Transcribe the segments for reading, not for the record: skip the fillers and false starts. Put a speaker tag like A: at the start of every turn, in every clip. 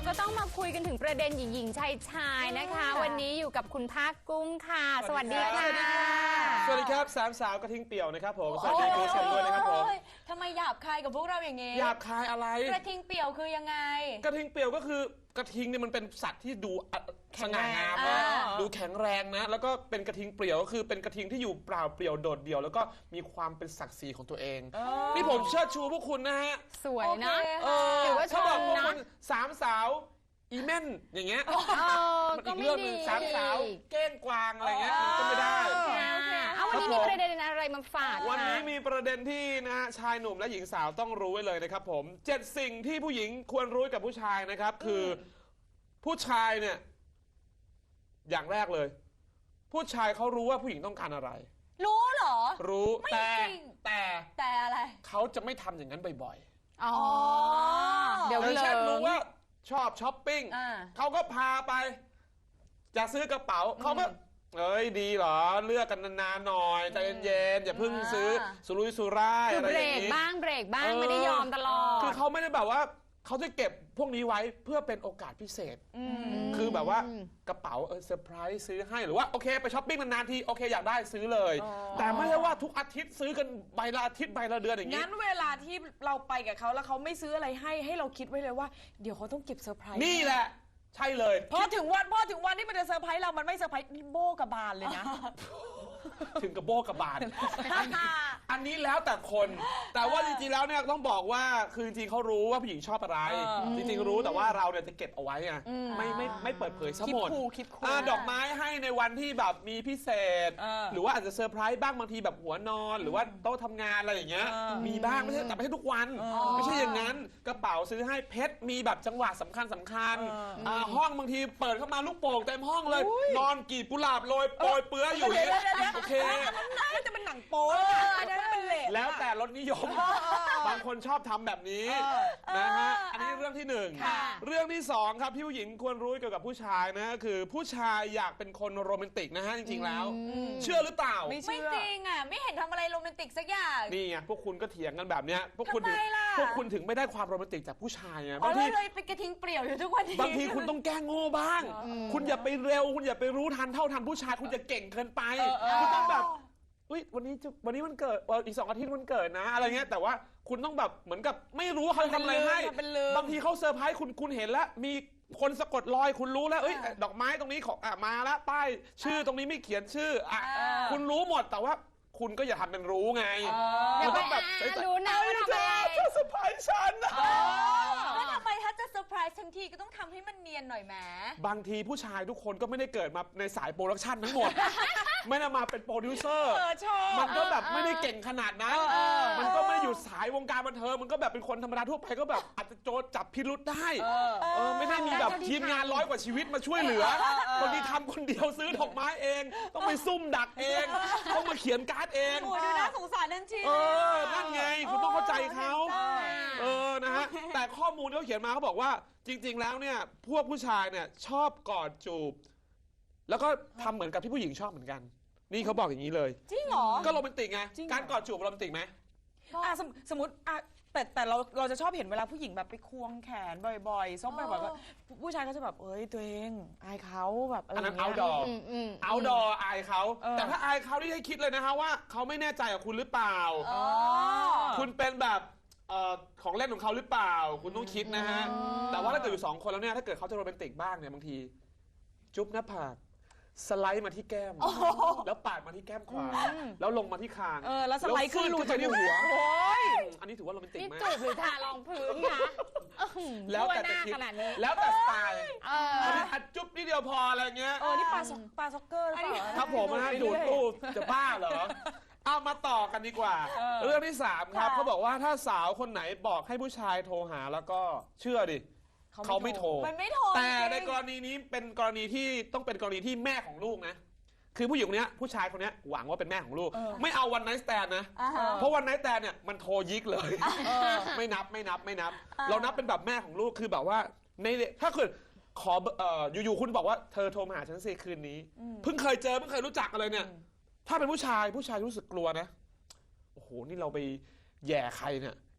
A: ก็ต้องมาคุยกันถึงประเด็นหญิงๆชายๆนะคะวันนี้อยู่กับคุณภาคกุ้งค่ะสวัสดีค่ะ
B: สวัสดีครับสามสาวกระทิงเปี่ยวนะครับผมสวัสดีคุณผู้ชมด้วยนะครับผม
C: ทำไมหยาบคายกับพวกเราอย่างงี้
B: หยาบคายอะไร
C: กระทิงเปี่ยวคือยังไง
B: กระทิงเปี่ยวก็คือกระทิงเนี่ยมันเป็นสัตว์ที่ดูสง่างามนะดูแข็งแรงนะแล้วก็เป็นกระทิงเปลี่ยวก็คือเป็นกระทิงที่อยู่เปล่าเปลี่ยวโดดเดี่ยวแล้วก็มีความเป็นศักดิ์ศรีของตัวเองนี่ผมเชิดชูพวกคุณนะฮะ
A: สวยนะ
B: ถือว่าชอบพวกคุณสามสาวอีเม่นอย่างเงี้ยมันอีกเรื่องนึงสามสาวเก้งกวางอะไรเงี้ยมันก็ไม่ได้
A: เอาวันนี้มีประเด็นอะไรมาฝาก
B: วันนี้มีประเด็นที่นะฮะชายหนุ่มและหญิงสาวต้องรู้ไว้เลยนะครับผม7สิ่งที่ผู้หญิงควรรู้กับผู้ชายนะครับคือผู้ชายเนี่ยอย่างแรกเลยผู้ชายเขารู้ว่าผู้หญิงต้องการอะไร
C: รู้เหรอ
B: รู้
C: แต่อะไร
B: เขาจะไม่ทำอย่างนั้นบ่อย
A: ๆเดี๋ยว
B: เช่นรู้ว่าชอบช้อปปิ้งเขาก็พาไปจะซื้อกระเป๋าเขาก็เอ้ยดีเหรอเลือกกันนานๆหน่อยใจเย็นๆอย่าเพิ่งซื้อสุรุ่ยสุร่ายอะไรอย่างนี้
A: เบรกบ้างไม่ได้ยอมตลอด
B: คือเขาไม่ได้แบบว่าเขาจะเก็บพวกนี้ไว้เพื่อเป็นโอกาสพิเศษคือแบบว่ากระเป๋าเซอร์ไพรส์ซื้อให้หรือว่าโอเคไปช้อปปิ้งนานๆทีโอเคอยากได้ซื้อเลยแต่ไม่ใช่ว่าทุกอาทิตย์ซื้อกันใบละอาทิตย์ใบละเดือนอย่างนี้
D: งั้นเวลาที่เราไปกับเขาแล้วเขาไม่ซื้ออะไรให้เราคิดไว้เลยว่าเดี๋ยวเขาต้องเก็บเซอร์ไพรส์
B: นี่แหละใช่เลย
D: พอถึงวันที่มันจะเซอร์ไพรส์เรามันไม่เซอร์ไพรส์นี่โบกับบานเลยนะ
B: ถึงกับโบกับบานอันนี้แล้วแต่คนแต่ว่าจริงๆแล้วเนี่ยต้องบอกว่าคือจริงๆเขารู้ว่าผู้หญิงชอบอะไรจริงๆรู้แต่ว่าเราเนี่ยจะเก็บเอาไว้ไงไม่เปิดเผยซะหมดดอกไม้ให้ในวันที่แบบมีพิเศษหรือว่าอาจจะเซอร์ไพรส์บ้างบางทีแบบหัวนอนหรือว่าโต๊ะทำงานอะไรอย่างเงี้ยมีบ้างไม่ใช่แต่ไม่ใช่ทุกวันไม่ใช่อย่างนั้นกระเป๋าซื้อให้เพชรมีแบบจังหวะสำคัญห้องบางทีเปิดเข้ามาลูกโป่งเต็มห้องเลยนอนกีบกุหลาบโรยโปรยเปื้ออยู่โอเค
D: น่าจะเป็นหนังโป๊
B: แล้วแต่รสนิยมบางคนชอบทำแบบนี้นะฮะอันนี้เรื่องที่1เรื่องที่2ครับที่ผู้หญิงควรรู้เกี่ยวกับผู้ชายนะคือผู้ชายอยากเป็นคนโรแมนติกนะฮะจริงๆแล้วเชื่อหรือเปล่า
C: ไม่จริงอ่ะไม่เห็นทำอะไรโรแมนติกสักอย่าง
B: นี่ไงพวกคุณก็เถียงกันแบบเนี้ยพวกคุณถึงไม่ได้ความโรแมนติกจากผู้ชายไง
C: บางทีเลยเป็นกระทิงเปลี่ยวอยู่ทุกวันนี้
B: บางทีคุณต้องแก้โง่บ้างคุณอย่าไปเร็วคุณอย่าไปรู้ทันเท่าทันผู้ชายคุณจะเก่งเกินไปคุณต้องแบบวันนี้มันเกิดอีก2 อาทิตย์มันเกิดนะอะไรเงี้ยแต่ว่าคุณต้องแบบเหมือนกับไม่รู้เขาทำอะไรให้บางทีเขาเซอร์ไพรส์คุณเห็นแล้วมีคนสะกดรอยคุณรู้แล้วดอกไม้ตรงนี้ของมาแล้วป้ายชื่อตรงนี้ไม่เขียนชื่อคุณรู้หมดแต่ว่าคุณก็อย่าทำเป็นรู้ไง
A: คุณต้องแบบรู้นะว่าทำอะไร
B: จะเซอร์ไพรส์ฉัน
C: แล้วทำไมถ้าจะเซอร์ไพรส์ทันทีก็ต้องทำให้มันเนียนหน่อยแหม
B: บางทีผู้ชายทุกคนก็ไม่ได้เกิดมาในสายโปรดักชันทั้งหมดไม่ได้มาเป็นโปรดิวเซอร์มันก็แบบไม่ได้เก่งขนาดนั้นมันก็ไม่ได้อยู่สายวงการบันเทิงมันก็แบบเป็นคนธรรมดาทั่วไปก็แบบอาจจะโจรจับพิรุธได้ไม่ได้มีแบบทีมงาน100 กว่าชีวิตมาช่วยเหลือบางทีทำคนเดียวซื้อดอกไม้เองต้องไปซุ่มดักเองต้องมาเขียนการ์ดเอง
C: โอ้ยดูน่าสงสารนั่นจริง
B: นั่นไงคุณต้องเข้าใจเขานะฮะแต่ข้อมูลที่เขาเขียนมาเขาบอกว่าจริงๆแล้วเนี่ยพวกผู้ชายเนี่ยชอบกอดจูบแล้วก็ทำเหมือนกับที่ผู้หญิงชอบเหมือนกันนี่เขาบอกอย่างนี้เลย
C: จริงเหรอ
B: ก็โรแมนติกไงการกอดจูบโรแมนติกไหม
D: สมมติแต่เราจะชอบเห็นเวลาผู้หญิงแบบไปควงแขนบ่อยๆซบบ่อยๆก็ผู้ชายก็จะแบบตัวเองอายเขาแบบ
B: อันนั้นเอาดออายเขาแต่ถ้าอายเขาที่ให้คิดเลยนะคะว่าเขาไม่แน่ใจกับคุณหรือเปล่าคุณเป็นแบบของเล่นของเขาหรือเปล่าคุณต้องคิดนะฮะแต่ว่าถ้าเกิดอยู่2 คนแล้วเนี่ยถ้าเกิดเขาจะโรแมนติกบ้างเนี่ยบางทีจุ๊บหน้าผากสไลด์มาที่แก้มแล้วปาดมาที่แก้มขวาแล้วลงมาที่คาง
D: แล้วสไลด์ขึ้นรู
B: จมูกหัวอันนี้ถือว่าโรแมนติกไหม
A: นี่จูบหรือทารองพื้นคะ
B: แล้วแต่จะคิดแล้วแต่สไตล์อันนี้จุ๊บนิดเดียวพออะไรเงี้ย
D: นี่ปลาซ็อกเกอร์หรือเปล่า
B: ครับผมนะดูดตู้จะบ้าเหรอเอามาต่อกันดีกว่าเรื่องที่3ครับเขาบอกว่าถ้าสาวคนไหนบอกให้ผู้ชายโทรหาแล้วก็เชื่อดิเขาไม่โทรแต่ในกรณีนี้เป็นกรณีที่ต้องเป็นกรณีที่แม่ของลูกนะคือผู้หญิงคนนี้ผู้ชายคนนี้หวังว่าเป็นแม่ของลูกไม่เอาวันไนท์สแตนนะเพราะวันไนท์สแตนเนี่ยมันโทรยิกเลยไม่นับเรานับเป็นแบบแม่ของลูกคือแบบว่าในถ้าเกิดขออยู่ๆคุณบอกว่าเธอโทรมาหาฉันสิคืนนี้เพิ่งเคยเจอเพิ่งเคยรู้จักอะไรเนี่ยถ้าเป็นผู้ชายรู้สึกกลัวนะโอ้โหนี่เราไปแย่ใครเนี่ย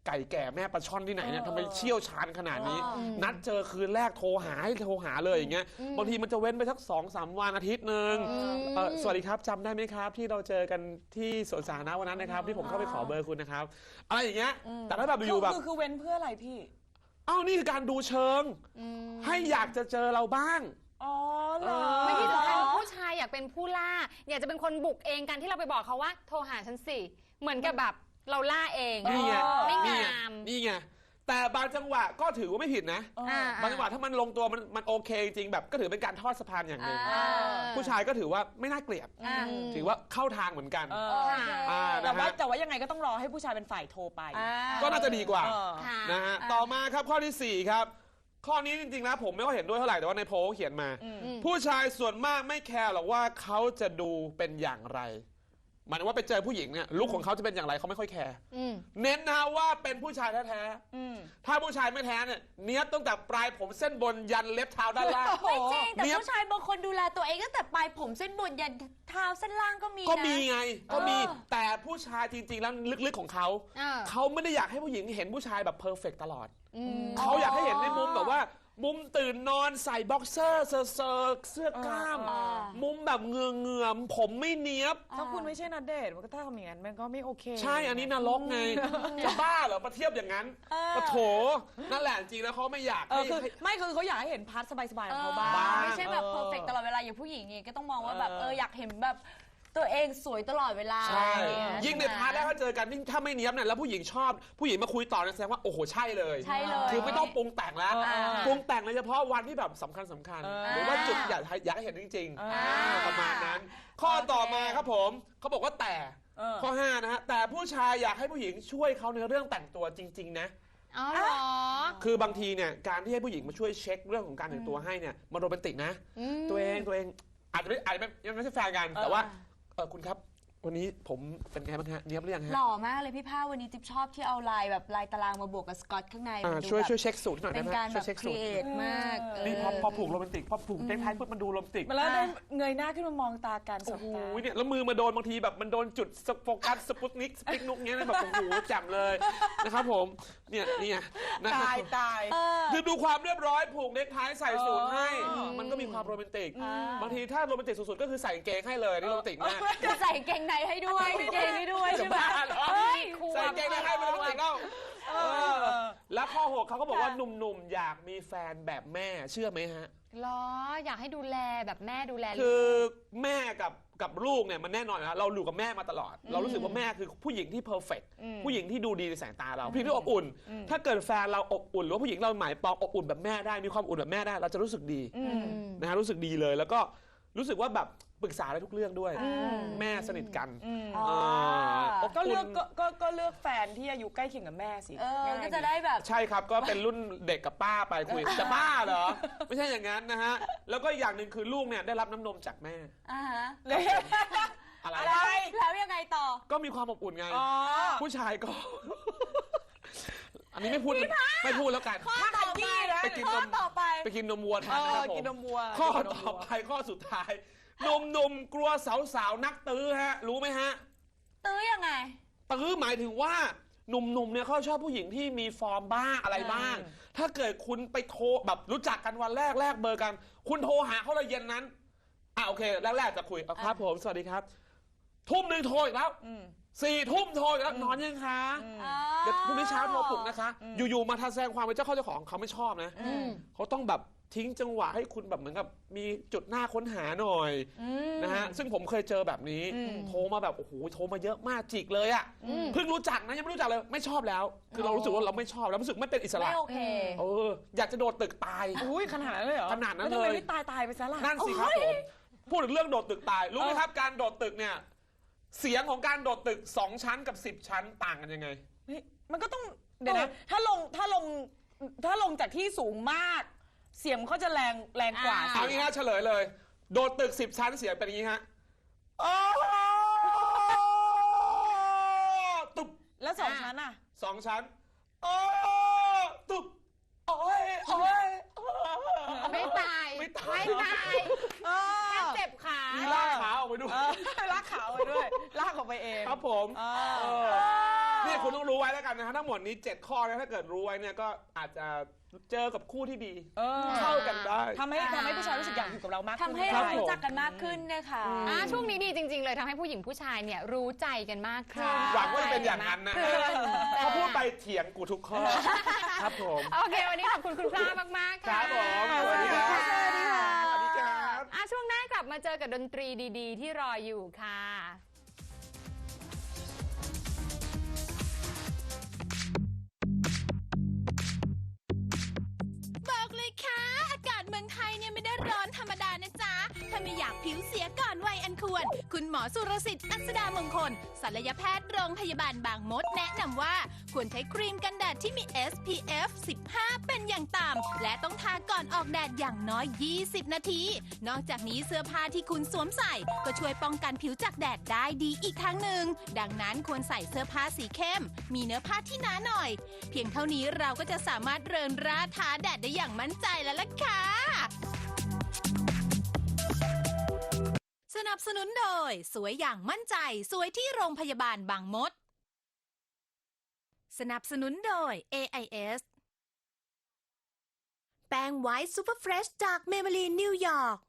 B: ไก่แก่แม่ปลาช่อนที่ไหนเนี่ยทำไมเชี่ยวชาญขนาดนี้ นัดเจอคืนแรกโทรหาเลยอย่างเงี้ยบางทีมันจะเว้นไปสัก2-3 วันอาทิตย์นึงสวัสดีครับจำได้ไหมครับที่เราเจอกันที่สวนสาธารณะวันนั้นนะครับที่ผมเข้าไปขอเบอร์คุณนะครับอะไรอย่างเงี้ยแต่ถ้าแบบอยู่แบบ
D: คือเว้นเพื่ออะไรพี่
B: อ้าวนี่คือการดูเชิงให้อยากจะเจอเราบ้าง
D: อ๋อเหรอ
A: ไม่ที่สำคัญผู้ชายอยากเป็นผู้ล่าอยากจะเป็นคนบุกเองกันที่เราไปบอกเขาว่าโทรหาฉันสิเหมือนกับแบบเราล่าเอง
B: นี่ไง
A: ไม่งาม
B: นี่ไงแต่บางจังหวะก็ถือว่าไม่ผิดนะบางจังหวะถ้ามันลงตัวมันโอเคจริงแบบก็ถือเป็นการทอดสะพานอย่างหนึ่งผู้ชายก็ถือว่าไม่น่าเกลียดถือว่าเข้าทางเหมือนกัน
D: แต่ว่ายังไงก็ต้องรอให้ผู้ชายเป็นฝ่ายโทรไป
B: ก็น่าจะดีกว่านะฮะต่อมาครับข้อที่4ครับข้อนี้จริงๆนะผมไม่ค่อยเห็นด้วยเท่าไหร่แต่ว่าในโพลเขียนมาผู้ชายส่วนมากไม่แคร์หรอกว่าเขาจะดูเป็นอย่างไรหมายถึงว่าไปเจอผู้หญิงเนี่ยลุคของเขาจะเป็นอย่างไรเขาไม่ค่อยแคร์เน้นนะว่าเป็นผู้ชายแท้ๆถ้าผู้ชายไม่แท้เนี่ยเนี้ยตั้งแต่ปลายผมเส้นบนยันเล็บเท้าด้านล่าง
C: ไม่จริงแต่ผู้ชายบางคนดูแลตัวเองตั้งแต่ปลายผมเส้นบนยันเท้าเส้นล่างก็มีนะ
B: ก็มีไงก็มีแต่ผู้ชายจริงๆแล้วลึกๆของเขาไม่ได้อยากให้ผู้หญิงเห็นผู้ชายแบบเพอร์เฟกต์ตลอดเขาอยากให้เห็นในมุมแบบว่ามุมตื่นนอนใส่บ็อกเซอร์เสื้อกล้ามมุมแบบเงือผมไม่เนี้ยบ
D: ถ้าคุณไม่ใช่ณเดชน์มันก็ถ้าทำอย่างนั้นมันก็ไม่โอเค
B: ใช่อันนี้นรกไงจะบ้าเหรอมาเทียบอย่างนั้นปะโถนั่นแหละจริงแล้วเขาไม่อยาก
D: คือเขาอยากให้เห็นพาร์ทสบายๆของเขาบ้าง
C: ไม่ใช่แบบเพอร์เฟกต์ตลอดเวลาอย่างผู้หญิงไงก็ต้องมองว่าแบบอยากเห็นแบบตัวเองสวยตลอดเวลา
B: ใช่ยิ่งในพาร์ทแรกถ้าเจอกันถ้าไม่เนี้ยบเนี่ยแล้วผู้หญิงชอบผู้หญิงมาคุยต่อแสดงว่าโอ้โหใช่เลยคือไม่ต้องปรุงแต่งแล้วปรุงแต่งเลยเฉพาะวันที่แบบสำคัญหรือว่าจุดอยากให้เห็นจริงๆประมาณนั้นข้อต่อมาครับผมเขาบอกว่าแต่ข้อ5นะฮะแต่ผู้ชายอยากให้ผู้หญิงช่วยเขาในเรื่องแต่งตัวจริงๆนะ
A: อ๋อเหรอ
B: คือบางทีเนี่ยการที่ให้ผู้หญิงมาช่วยเช็คเรื่องของการแต่งตัวให้เนี่ยมันโรแมนติกนะตัวเองอาจจะไม่ใช่แฟนกันแต่ว่าคุณครับวันนี้ผมเป็นไงบ้างฮะเนี้ยบหรือยังฮะ
C: หล่อมากเลยพี่ผ้าวันนี้จิ๊บชอบที่เอาลายแบบลายตารางมาบวกกับสกอตข้างใน
B: ช่วยเช็คสูตรหน่อยได้ไหม
C: เป็นการแบบครีเอทมาก
B: นี่พอผูกโรแมนติกพอผูกเน็กไทปุ๊บมันดูโรแมนติก
D: แล้วได้เงยหน้าขึ้นมามองตากัน
B: โอ้โหเนี่ยแล้วมือมาโดนบางทีแบบมันโดนจุดโฟกัสสปุตนิกสปิกนุกเงี้ยแบบโอ้โหแจ่มเลยนะครับผมเนี่ย
D: ตาย
B: คือดูความเรียบร้อยผูกเน็กไทใส่สูทให้มันก็มีความโรแมนติกบางทีถ้าโรแมนติกสุดๆก็คือใส่กางเกงให้เลยนี่โรแมนติกมาก
C: ใส่เกงในให้ด้วยเกงให้ด้วยใช่ไหม
B: ใส่เกงในให้มันโรแมนติกแล้วแล้วข้อ6เขาก็บอกว่าหนุ่มๆอยากมีแฟนแบบแม่เชื่อไหมฮะ
A: หรออยากให้ดูแลแบบแม่ดูแล
B: คือแม่กับลูกเนี่ยมันแน่นอนนะเราอยู่กับแม่มาตลอดเรารู้สึกว่าแม่คือผู้หญิงที่เพอร์เฟกต์ผู้หญิงที่ดูดีในสายตาเราผู้หญิงที่อบอุ่นถ้าเกิดแฟนเราอบอุ่นหรือว่าผู้หญิงเราหมายปองอบอุ่นแบบแม่ได้มีความอุ่นแบบแม่ได้เราจะรู้สึกดีนะฮะรู้สึกดีเลยแล้วก็รู้สึกว่าแบบปรึกษาได้ทุกเรื่องด้วยแม่สนิทกัน
D: ก็เลือกแฟนที่อายุใกล้เคียงกับแม่สิ
C: ก็จะได้แบบ
B: ใช่ครับก็เป็นรุ่นเด็กกับป้าไปคุยจะบ้าเหรอไม่ใช่อย่างนั้นนะฮะแล้วก็อย่างหนึ่งคือลูกเนี่ยได้รับน้ำนมจากแม่
C: อะไรแล้วยังไงต่อ
B: ก็มีความอบอุ่นไงผู้ชายก็อันนี้ไม่พูดแล้วกัน
C: ข้อต่อไป
B: ไปกินนมวัวทานนะครับผมข้อต่อไปข้อสุดท้ายหนุ่มกลัวสาวนักตื้อฮะรู้ไหมฮะ
C: ตื้อยังไง
B: ตื้อหมายถึงว่าหนุ่มเนี่ยเขาชอบผู้หญิงที่มีฟอร์มบ้างอะไรบ้างถ้าเกิดคุณไปโทรแบบรู้จักกันวันแรกเบอร์กันคุณโทรหาเขาเลยเย็นนั้นโอเคแรกจะคุยครับผมสวัสดีครับทุ่มหนึ่งโทรอีกแล้ว4 ทุ่มโทรอีกแล้วนอนยังคะเดี๋ยวพรุ่งนี้เช้าโทรปลุกนะคะอยู่ๆมาแสดงความเป็นเจ้าของเขาไม่ชอบนะเขาต้องแบบทิ้งจังหวะให้คุณแบบเหมือนกับมีจุดหน้าค้นหาหน่อยนะฮะซึ่งผมเคยเจอแบบนี้โทรมาแบบโอ้โหโทรมาเยอะมากจิกเลยอ่ะเพิ่งรู้จักนะยังไม่รู้จักเลยไม่ชอบแล้วคือเรารู้สึกว่าเราไม่ชอบแล้วรู้สึกไม่เป็นอิสระ
C: ไม่โอเค
B: อยากจะโดดตึกตาย
D: ขนาดนั้นเลยเหรอ
B: ขนาดนั้นเลย
D: ไม่ตายไปซะล่ะ
B: นั่นสิครับผมพูดถึงเรื่องโดดตึกตายรู้ไหมครับการโดดตึกเนี่ยเสียงของการโดดตึก2 ชั้นกับ10 ชั้นต่างกันยังไง
D: มันก็ต้องเดี๋ยวนะถ้าลงจากที่สูงมากเสียงเขาจะแรงกว่า
B: เอางี้ฮะเฉลยเลยโดดตึก10 ชั้นเสียงเป็นอย่างนี้ฮะตุบ
D: แล้ว2 ชั้นอ่ะ
B: 2 ชั้นตุบ
A: ไม่ตายแค่เจ็บขา
B: ลากขาออกไปด้วย
D: ลากขาออกไปด้วยลากออกไปเอง
B: ครับผมเนี่ยคุณต้องรู้ไว้แล้วกันนะฮะทั้งหมดนี้ 7 ข้อนะถ้าเกิดรู้ไว้เนี่ยก็อาจจะเจอกับคู่ที่ดี เข้ากันได้
D: ทำให้ผู้ชายรู้สึกอยากอยู่กับเรามากขึ้น
C: ทำให้
B: ครั
C: เรา
B: บ
C: รู้จักกันมากขึ้นนะคะ
A: ช่วงนี้ดีจริง ๆ เลยทำให้ผู้หญิงผู้ชายเนี่ยรู้ใจกันมากขึ้น
B: หวังว่าจะเป็นอย่างนั้นนะฮะพอพูดไปเถียงกูทุกข้อ ครับผม
A: โอเค วันนี้ขอบคุณคุณพลามากๆ
B: ค
A: ค่ะ
B: รับผมสวัสดีครับ
C: สวัสดีค่ะ
B: สวัสดีครับ
A: ช่วงหน้ากลับมาเจอกับดนตรีดีๆ ที่รออยู่ค่ะ
E: บอกเลยค่ะ อากาศเมืองไทยเนี่ยไม่ได้ร้อนธรรมดานะจ๊ะ ถ้าไม่อยากผิวเสียก่อนวัยอันควร คุณหมอสุรสิทธิ์อัศดามงคลศัลยแพทย์โรงพยาบาลบางมดแนะนำว่า ควรใช้ครีมกันแดดที่มี SPF 15 เป็นอย่างต่ำและต้องทาก่อนออกแดดอย่างน้อย 20 นาที นอกจากนี้เสื้อผ้าที่คุณสวมใส่ ก็ช่วยป้องกันผิวจากแดดได้ดีอีกทางหนึ่ง ดังนั้นควรใส่เสื้อผ้าสีเข้ม มีเนื้อผ้าที่หนาหน่อย เพียงเท่านี้เราก็จะสามารถเรินร่าท้าแดดได้อย่างมั่นใจแล้วล่ะค่ะ สนับสนุนโดยสวยอย่างมั่นใจสวยที่โรงพยาบาลบางมด สนับสนุนโดย AIS แป้งไวท์ซูเปอร์เฟรชจากเมเบลีนนิวยอร์ก